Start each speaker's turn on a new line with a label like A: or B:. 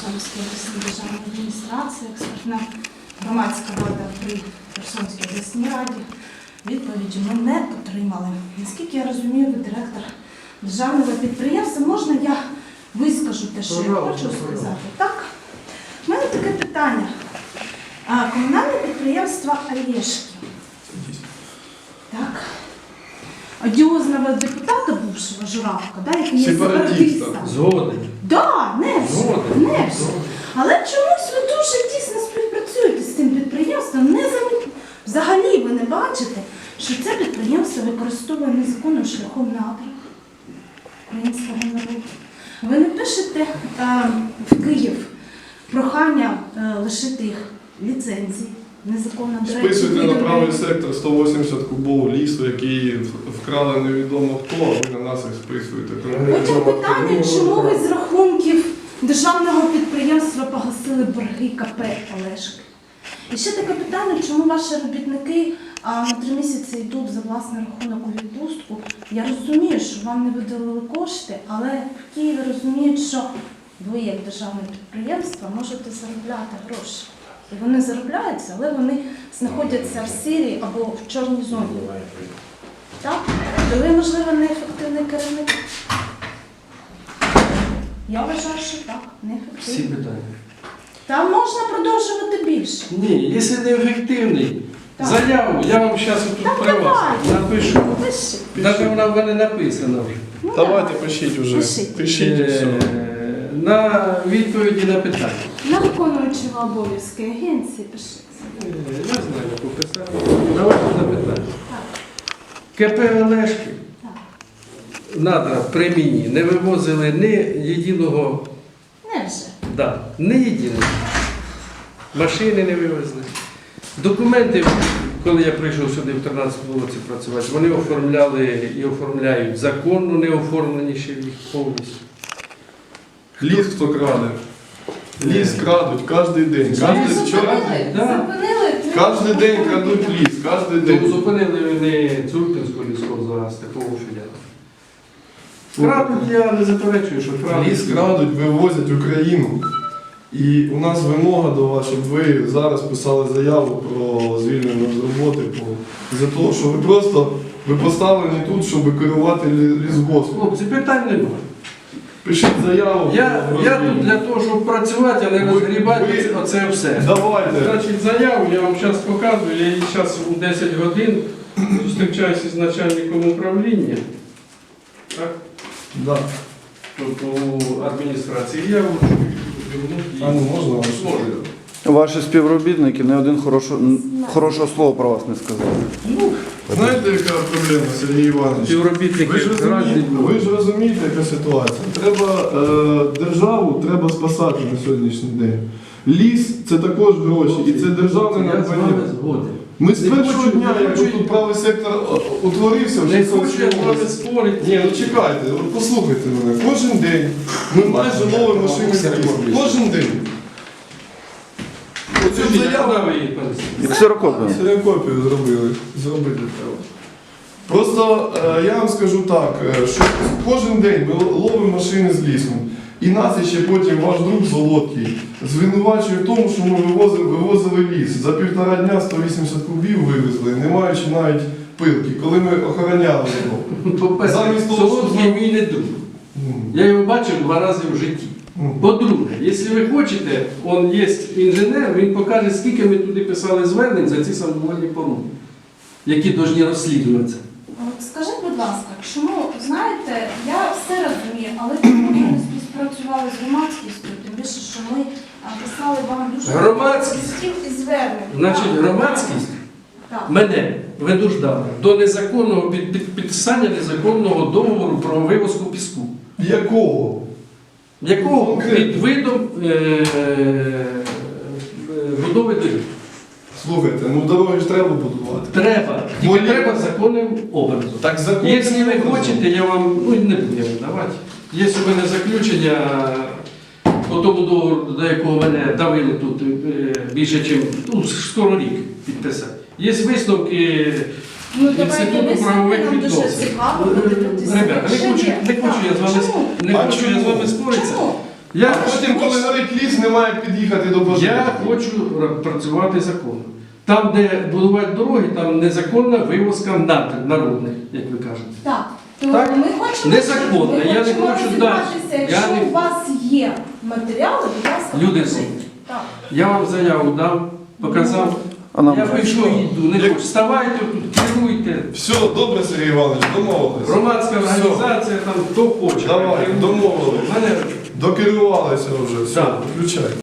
A: Херсонської обласної державної адміністрації, експертна громадська рада при Херсонській обласній раді. Відповіді ми не отримали. Наскільки я розумію, ви директор державного підприємства. Можна я вискажу те, що я хочу сказати? Так? У мене таке питання. Комунальне підприємство «Олєшки». Так. Одіозного депутата бувшого Журавка, да, який є сепаратиста.
B: Згоден.
A: Да, Невже. Але чомусь ви дуже тісно співпрацюєте з цим підприємством. Взагалі ви не бачите, що це підприємство використовує незаконним шляхом надр українського народу. Ви не пишете в Київ прохання лишити їх ліцензії. Незаконно, до речі,
C: списуйте на правий сектор 180 кубов лісу, який вкрали невідомо хто, а ви на нас їх списуєте.
A: Потім питання, чому ви з рахунків державного підприємства погасили борги КП «Олешки». І ще таке питання, чому ваші робітники на 3 місяці йдуть за власний рахунок у відпустку. Я розумію, що вам не виділили кошти, але в Києві розуміють, що ви, як державне підприємство, можете заробляти гроші. І вони заробляються, але вони знаходяться в сірій або в чорній зоні. Так? То ви, можливо, неефективний керівник? Я вважаю, що так,
B: Всі
A: неефективний.
B: питання.
A: Там можна продовжувати більше.
B: Ні, якщо не ефективний,
A: Так.
B: заяву я вам зараз тут
A: Так,
B: при вас
A: давайте.
B: напишу.
A: Пиши.
B: Навіть вона в мене написана вже.
A: Ну,
C: Давайте пишіть уже.
A: Пишіть.
C: Пишіть і все.
B: На відповіді на питання.
A: На виконуючого обов'язки агенції пиши.
B: Я знаю, як пописати. Давайте на питання. КП «Олешки»
A: Так.
B: надра при мені не вивозили ні єдиного,
A: Невже?
B: ні єдиного. Машини не вивезли. Документи, коли я прийшов сюди в 2013 році працювати, вони оформляли і оформляють законно, не оформлені ще їх повністю.
C: Ліс хто краде? Ліс крадуть кожен день. Кожен день крадуть ліс, кожен
B: Тому
C: день.
B: зупинили вони Цурпінську ліску зараз, такого філіалу. Крадуть, я не заперечую, що крадуть.
C: Ліс крадуть, вивозять Україну. І у нас вимога до вас, щоб ви зараз писали заяву про звільнення з роботи за того, що ви поставлені тут, щоб керувати лісгоспом.
B: Хлопці, питань немає.
C: Пишіть заяву.
B: Я тут для того, щоб працювати, а не розгрібати оце все.
C: Давайте.
B: Значить, заяву я вам зараз показую, я її зараз у 10 годин зустрічаюся з начальником управління. Так?
C: Да.
B: Тобто у адміністрації. Я вручу
C: А ну можна ваше?
B: Можна.
D: Ваші співробітники не один хорошого слова про вас не сказали.
C: Ну, знаєте, яка проблема, Сергій Іванович?
B: Співробітники
C: Ви ж розумієте, яка ситуація. Треба державу треба спасати на сьогоднішній день. Ліс це також гроші, і це державне
B: Я з вами
C: надбання.
B: згоден.
C: Ми з
B: Не
C: першого
B: хочу-
C: дня,
B: не
C: як
B: хочу-
C: тут правий сектор утворився, в
B: Не
C: Херсонській
B: хочу я з вами
C: області.
B: спорити.
C: Ні, ну чекайте, от послухайте мене. Кожен день ми майже ловимо машини з лісу. Кожен день. Оцю
B: Скажіть, а
C: заяву
B: куди ви її понесли?
D: І ксерокопію.
C: ксерокопію зробити треба. Просто я вам скажу так, що кожен день ми ловимо машини з лісом. І нас ще потім ваш друг Золоткий звинувачує в тому, що ми вивозили ліс. За 1,5 дня 180 кубів вивезли, не маючи навіть пилки, коли ми охороняли його.
B: По-перше,
C: Замість того,
B: Солодкий
C: щоб-
B: мій не друг.
C: Ну,
B: Я його бачив 2 рази в житті. По-друге, якщо ви хочете, он є інженер, він покаже, скільки ми туди писали звернень за ці самовольні помилки, які повинні розслідуватися.
A: От скажіть, будь ласка, чому, знаєте, я все розумію, але чому ви не співпрацювали з громадськістю, тим більше, що ми писали вам дуже
B: Громадськість?
A: листів і звернень.
B: Значить,
A: Так,
B: громадськість
A: так.
B: мене винуждала до незаконного підписання незаконного договору про вивозку піску.
C: Якого?
B: Якого під видом будови доріг.
C: Слухайте, ну дороги ж треба будувати.
B: Треба. Тільки
C: Волі-
B: треба законним образом.
C: Так закон.
B: Якщо ви хочете, я вам не буду я видавати. Є у мене заключення по тому договору, до якого мене давили тут більше, ніж скоро рік підписати. Є висновки
A: Ну, давайте
B: Інституту
A: висновки,
B: правових
A: нам дуже
B: відносин.
A: цікаво подивитися.
B: Ребята, не хочу я з вами
A: Чому?
B: не
C: А
B: хочу я з
C: чому?
B: вами споритися.
A: Чому?
B: Я
C: А потім, коли горить ліс, немає як під'їхати до пожежі.
B: Я хочу працювати законно. Там, де будувати дороги, там незаконна вивозка народних, як ви кажете.
A: Так. То
B: Так?
A: ми хочемо,
B: Незаконно.
A: ми
B: Я не
A: хочемо
B: хочу
A: розібратися.
B: далі.
A: Якщо
B: Я не-
A: у вас є матеріали, будь ласка,
B: Люди
A: покажіть.
B: добрі.
A: Так.
B: Я вам заяву дав, показав.
D: А нам
B: Я вийшов і йду. Не хочу. Вставайте тут, керуйте.
C: Все, добре, Сергій Іванович, домовились.
B: Громадська організація, там хто хоче.
C: Давай, домовились.
B: Мене
C: Докерувалися вже, все,
B: Так.
C: включай.